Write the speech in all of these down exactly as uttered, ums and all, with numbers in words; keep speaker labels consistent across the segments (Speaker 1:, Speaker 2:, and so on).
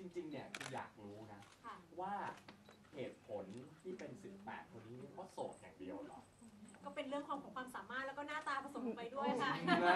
Speaker 1: ริงๆเนี่ยคืออยากรู้นะว่าเหตุผลที่เป็นสิบแปดคนนี้เพราะโสดอย่างเดียวเหรอ
Speaker 2: ก็เป็นเรื่องของความสามารถแล้วก็หน้าตาผสมไปด้วยค่ะ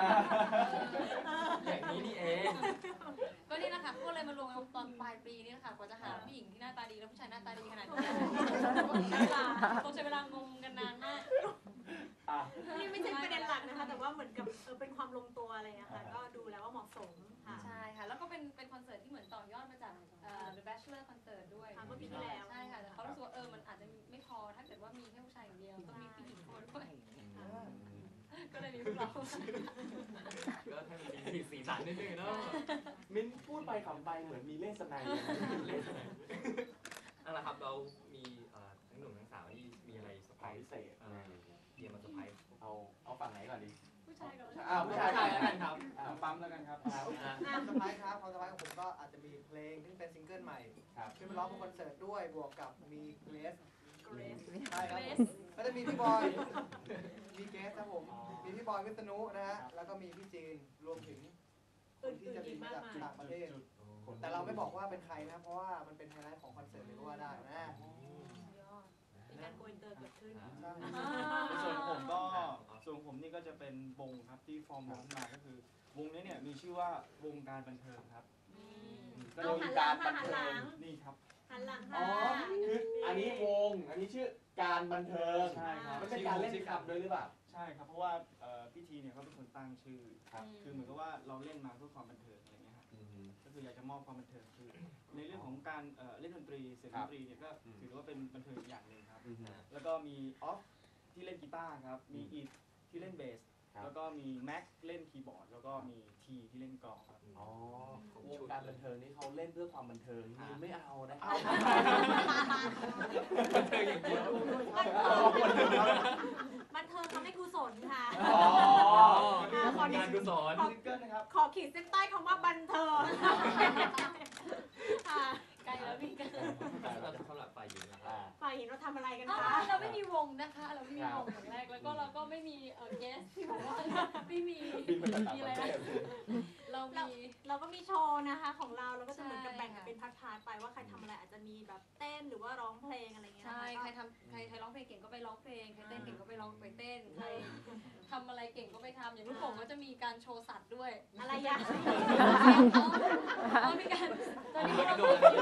Speaker 3: อย่างนี้นี่เอง
Speaker 4: ก็นี่แหละค่ะพวกเลยมารวมกันตอนปลายปีนี่แหละค่ะกว่าจะหาผู้หญิงที่หน้าตาดีและผู้ชายหน้าตาดีขนาดนี้ใช้เวลาต้องใช้เวลางงกันนานมาก
Speaker 2: นี่ไม่ใช่ประเด็นหลักนะคะแต่ว่าเหมือนกับเออเป็นความลงตัวอะไรนะคะก็ดูแล้วว่าเหมาะสมค่ะ
Speaker 4: ใช่ค่ะแล้วก็เป็นเป็นคอนเสิร์ตที่เหมือนต่อยอดมาจาก The Bachelor Concert ด้วย
Speaker 2: เมื่อปีที่แล้ว
Speaker 4: ใช่ค่ะแต่เขารู้สึกว่าเออมันอาจจะไม่พอถ้าเกิดว่ามีแค่ผู้ชายอย่างเดียวต้องมีผู้หญิงคนด้วยก็เลยมีพวกเรา
Speaker 3: ก็ให้มันมีสีสันนิดนึงเนาะ
Speaker 1: มิ้นพูดไปขำไปเหมือนมีเล่ห์สนัย
Speaker 3: เล่ห์สนัยนั่นแหละครับเรามีทั้งหนุ่มทั้งสาวที่มีอะไรเซอร์ไพรส์
Speaker 1: พิเศษ
Speaker 3: เตรียมมาเซอร์ไพรส์
Speaker 1: เอาเอาฝั่งไหนก่อนดี
Speaker 4: ผู้ชายก่อน
Speaker 1: อ้าวผู้ชาย
Speaker 3: แล้วกันครับ
Speaker 1: ปั๊มแล้วกันครับ
Speaker 5: ความเซอร์ไพรส์ครับความเซอร์ไพรส์ของผมก็อาจจะมีเพลงที่เป็นซิงเกิลใหม่ขึ้นมาร้องบนคอนเสิร์ตด้วยบวกกับมีเกรสใช่ครับก็จะมีพี่บอยมีเกรสครับผมมีพี่บอยวิษณุนะฮะแล้วก็มีพี่จีนรวมถึงคนที่จะบินมาจากต่างประเทศแต่เราไม่บอกว่าเป็นใครนะเพราะว่ามันเป็นไฮไลท์ของคอนเสิร์ตเลยก็ว่าได้นะ
Speaker 2: มีการโกอินเตอร์เกิดขึ้น
Speaker 6: ส่วนผมก็ส่วนผมนี่ก็จะเป็นวงครับที่ฟอร์มวงขึ้นมาก็คือวงนี้เนี่ยมีชื่อว่าวงการบันเทิงครับ
Speaker 2: ก็วงการบันเทิง
Speaker 6: นี่ครับ
Speaker 2: หันหลัง
Speaker 1: อ๋อคืออันนี้วงอันนี้ชื่อการบันเทิง
Speaker 6: ใช่ครับ
Speaker 1: ไม่ใช่การเล่นคำด้วยหรือเปล่า
Speaker 6: ใช่ครับเพราะว่าพี่ทีเนี่ยเขาเป็นคนตั้งชื่อคือเหมือนกับว่าเราเล่นมาเพื่อความบันเทิงอะไรเงี้ยครับก็คืออยากจะมอบความบันเทิงคือในเรื่องของการเล่นดนตรีเสียงดนตรีเนี่ยก็ถือว่าเป็นบันเทิงอย่างหนึ่งครับแล้วก็มีออฟที่เล่นกีตาร์ครับมีอีทที่เล่นเบสแล้วก็มีแม็กเล่นคีย์บอร์ดแล้วก็มีทีที่เล่นกลองครับ
Speaker 1: อ๋อวงการบันเทิงนี่เขาเล่นเพื่อความบันเทิงนี่ไม่เอานะ
Speaker 3: บันเทิงอย่างเดียว
Speaker 2: บันเทิงทำให้กุศลค่ะ
Speaker 3: ขอการกุศล
Speaker 2: ขอขีดเส้นใต้คำว่าบันเทิง
Speaker 4: ใกล้แล้วพี่กัน
Speaker 3: เราจะเข้าหลับฝ่ายหญิงนะครับ
Speaker 2: ฝ่ายหญิงเราทำอะไรกันคะ
Speaker 4: เราไม่มีวงนะคะเราไม่มีวงอย่างแรกแล้วก็เราก็ไม่มีเออเกสที่บอกว่าไม่มี
Speaker 1: มีอะไร
Speaker 4: เรามี
Speaker 2: เราก็มีโชว์นะคะของเราเราก็จะเหมือนกับแบ่งเป็นพาร์ทๆไปว่าใครทำอะไรอาจจะมีแบบเต้นหรือว่าร้องเพลงอะไรเงี้ย
Speaker 4: ใช่ใครทำใครใครร้องเพลงเก่งก็ไปร้องเพลงใครเต้นเก่งก็ไปร้องไปเต้นใครทำอะไรเก่งก็ไปทำอย่างลูกโป่งก็จะมีการโชว์สัตว์ด้วย
Speaker 2: อะไรอย่าง
Speaker 4: อ๋อมีการตอนนี้เรา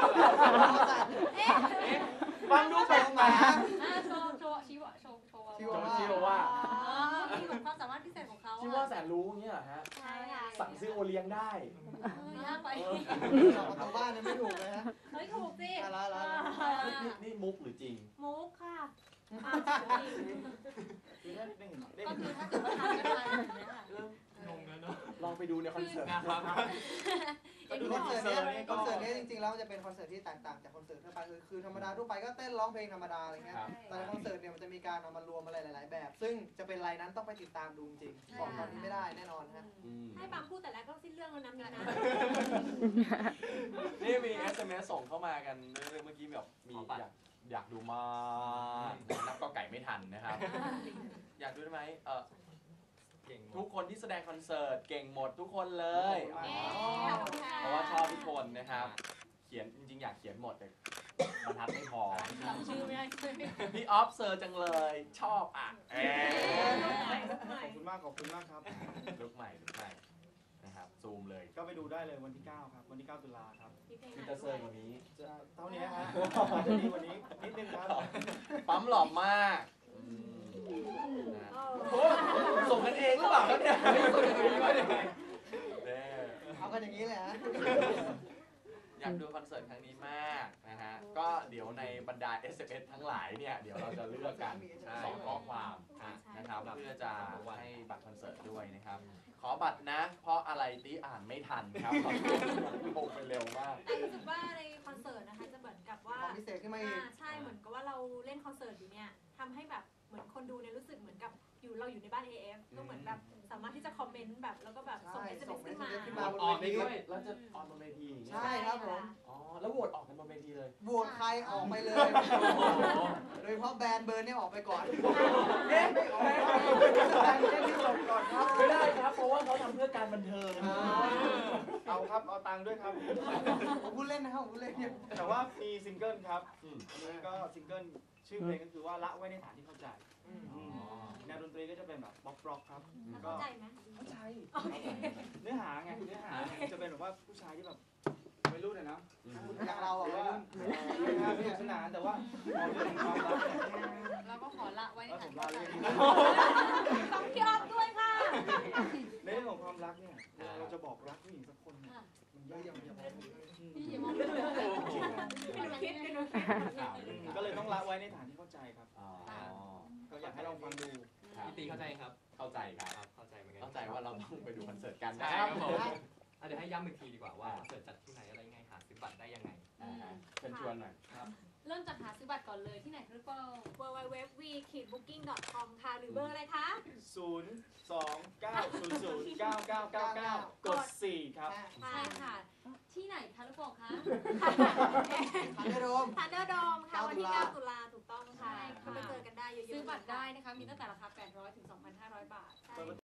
Speaker 1: ฟังดูแปลกมา
Speaker 4: โชว์โชว์ชีวะโชว์โชว์
Speaker 1: ชีวะว่า
Speaker 4: มีแบบความสามารถพิเศษของเขา
Speaker 1: ชีวะแสนรู้เงี้ยเหรอฮะ
Speaker 4: ใช่ค่ะ
Speaker 1: สั่งซื้อโอเลี้ยงได้
Speaker 4: ยากไป
Speaker 5: ทางบ้านไม่ถูกเลยฮะ
Speaker 4: เฮ้ยถูกสิ
Speaker 5: อะไรอะไร
Speaker 1: นี่มุกหรือจริง
Speaker 2: มุกค่ะ
Speaker 4: ก็คือถ้าเกิดว่าทำกันมาอย่างเงี้ย
Speaker 3: เริ่มงงแล้วเนาะ
Speaker 1: ลองไปดูในคอนเสิร์ต
Speaker 3: นะครับ
Speaker 5: ดูคอนเสิร์ตนี้คอนเสิร์ตนี้จริงๆแล้วจะเป็นคอนเสิร์ตที่แตกต่างจากคอนเสิร์ตทั่วไปคือคือธรรมดาทั่วไปก็เต้นร้องเพลงธรรมดาอะไรเงี้ยแต่ในคอนเสิร์ตเนี่ยมันจะมีการเอามารวมอะไรหลายๆแบบซึ่งจะเป็นไรนั้นต้องไปติดตามดูจริงบอกตอนนี้ไม่ได้แน่นอนฮะ
Speaker 2: ให้บางพูดแต่แรกก็สิ้นเรื่องแล้วนะมีนะ
Speaker 1: นี่มี เอส เอ็ม เอส ส่งเข้ามากันเรื่อยๆเมื่อกี้แบบมีอยากอยากดูมากนับก็ไก่ไม่ทันนะครับอยากดูได้ไหมเออทุกคนที่แสดงคอนเสิร์ตเก่งหมดทุกคนเลยเพราะว่าชอบทุกคนนะครับเขียนจริงๆอยากเขียนหมดแต่บรรทัดไม่พอ
Speaker 4: จำชื่อไม่ได้
Speaker 1: พี่ออฟเซอร์จังเลยชอบอ่ะ
Speaker 6: ขอบคุณมากขอบคุณมากครับ
Speaker 1: ลุกใหม่ลุกใหม่นะครับซูมเลย
Speaker 6: ก็ไปดูได้เลยวันที่เก้าครับวันที่เก้าตุลาครับ
Speaker 1: มีแต่เซอร์กว่านี้
Speaker 6: เท่านี้ฮะจะดีกว่านี้นิดนึงครับ
Speaker 1: ปั๊มหล่อมากส่งกันเองหรือเปล่าครับเนี่ย
Speaker 5: เอากันอย่างนี้เลยฮะ
Speaker 1: อยากดูคอนเสิร์ตครั้งนี้มากนะฮะก็เดี๋ยวในบรรดา เอส เอ็ม เอส ทั้งหลายเนี่ยเดี๋ยวเราจะเลือกกันสองข้อความนะครับเพื่อจะให้บัตรคอนเสิร์ตด้วยนะครับขอบัตรนะเพราะอะไรตีอ่านไม่ทันครับโผล่ไปเร็วมาก
Speaker 2: แต่รู้สึกว่าในคอนเสิร์ตนะคะจะเหมือนกับว่า
Speaker 5: พิเศษขึ้นมาอีก
Speaker 2: ใช่เหมือนกับว่าเราเล่นคอนเสิร์ตอยู่เนี่ยทำให้แบบเหมือนคนดูเนี่ยรู้สึกเหมือนกับอยู่เราอยู่ในบ้าน เอ เอฟ ก็เหมือนแบบสามารถที่จะคอมเมนต์แบบแล้วก็แบบส่ง เอส เอ็ม เอส ขึ้นมา
Speaker 3: ออนได้ด้วย
Speaker 1: แล้วจะออนบนเวที
Speaker 5: ใช่ครับผม
Speaker 1: อ๋อแแล้วโหวตออกกันบนเวทีเลย
Speaker 5: โหวตใครออกไปเลย โดยเฉพาะแบรนด์เบอร์เนี่ยออกไปก่อน
Speaker 1: เอ๊ะไม่ออก
Speaker 5: แบรนด์เล่นที่จบก่อนครับ
Speaker 1: ไม่ได้ครับ เพราะว่าเขาทำเพื่อการบันเทิง
Speaker 6: เอาครับเอาตังค์ด้วยครับ
Speaker 5: ผมพูดเล่นนะครับผมพูดเล่นเนี่ย
Speaker 6: แต่ว่ามีซิงเกิลครับ
Speaker 1: อืม
Speaker 6: อันนี้ก็ซิงเกิลชื่อเพลงก็คือว่าละไว้ในฐานที่เข้าใจ
Speaker 5: อืม
Speaker 1: อ๋อ
Speaker 6: แนวดนตรีก็จะเป็นแบบบ็อกร็อกครับ
Speaker 2: เข้าใจไหม
Speaker 6: เข้าใจเนื้อหาไงเนื้อหาเนี่ยจะเป็นแบบว่าผู้ชายที่แบบไม่รู้เลยนะ
Speaker 1: อืม
Speaker 5: อย่างเรา
Speaker 6: ห
Speaker 5: อะ
Speaker 6: รือว่า
Speaker 5: วัยรุ่น
Speaker 6: เรื่องราวสนุกสนานแต่ว่าพอเรื่องของความรักเนี่ย
Speaker 4: เราก็ขอละไว้ใน
Speaker 6: แล้วผ
Speaker 4: ฐาน
Speaker 6: ม
Speaker 4: ที่
Speaker 6: ลา
Speaker 4: เข้าใจ
Speaker 6: เรื่องนี้
Speaker 2: ต้องพี่ออฟด้วยค่ะ
Speaker 6: ในเรื่องของความรักเนี่ยเราจะบอกรักผู้หญิงสักคนเนี่ย
Speaker 4: ค่ะ
Speaker 6: มันยากอย่างเดียว
Speaker 4: พี่อย่ามองไม่เลย
Speaker 2: ไม่รู้คิดไม่รู้คิด
Speaker 1: ข่าว
Speaker 6: ก็เลยต้องละไว้ในฐานที่เข้าใจครับ
Speaker 1: อ๋อ
Speaker 6: ก็อยากให้ลองฟังดู
Speaker 1: ครับ
Speaker 3: พี่ตีเข้าใจครับ
Speaker 1: เข้าใจครับ
Speaker 3: ครับ เข้าใจเหมือนกัน
Speaker 1: เข้าใจว่าเราต้องไปดูคอนเสิร์ตกัน
Speaker 3: ใช่
Speaker 1: นะค
Speaker 3: ค
Speaker 1: รั
Speaker 3: รั
Speaker 1: บบ
Speaker 3: ผมอ่ะเดี๋ยวให้ย้ำอีกทีดีกว่าว่าคอนเสิร์ตจัดที่ไหนอะไรยังไงหาซื้อบัตรได้ยังไง
Speaker 1: อ่าฮะเชิญชวนหน่อย
Speaker 4: เริ่มจากหาซื้อบัตรก่อนเลยที่ไหนหรือเปล่า
Speaker 2: w w w v ขีด booking dot com ค่ะ หรือเบอร์อะไรคะ
Speaker 6: ศูนย์ สอง เก้า ศูนย์ ศูนย์ เก้า เก้า เก้า เก้า กด สี่ ครับ
Speaker 4: ใช่ค่ะ ที่ไหนคะลูกโป่งคะ
Speaker 5: ทันเดอร์โดม
Speaker 2: ทันเดอร์โดมค่ะ วันที่
Speaker 5: เก้า
Speaker 2: เก้าตุลาถูกต้องค่ะ
Speaker 4: ใช่ค่ะ
Speaker 2: ก็ไปเจอกันได้เยอะๆ
Speaker 4: ซื้อบัตร
Speaker 2: เลยค่ะ
Speaker 4: ได้นะคะ มีตั้งแต่ราคา แปดร้อย ถึง สองพันห้าร้อย บาท
Speaker 2: ใช่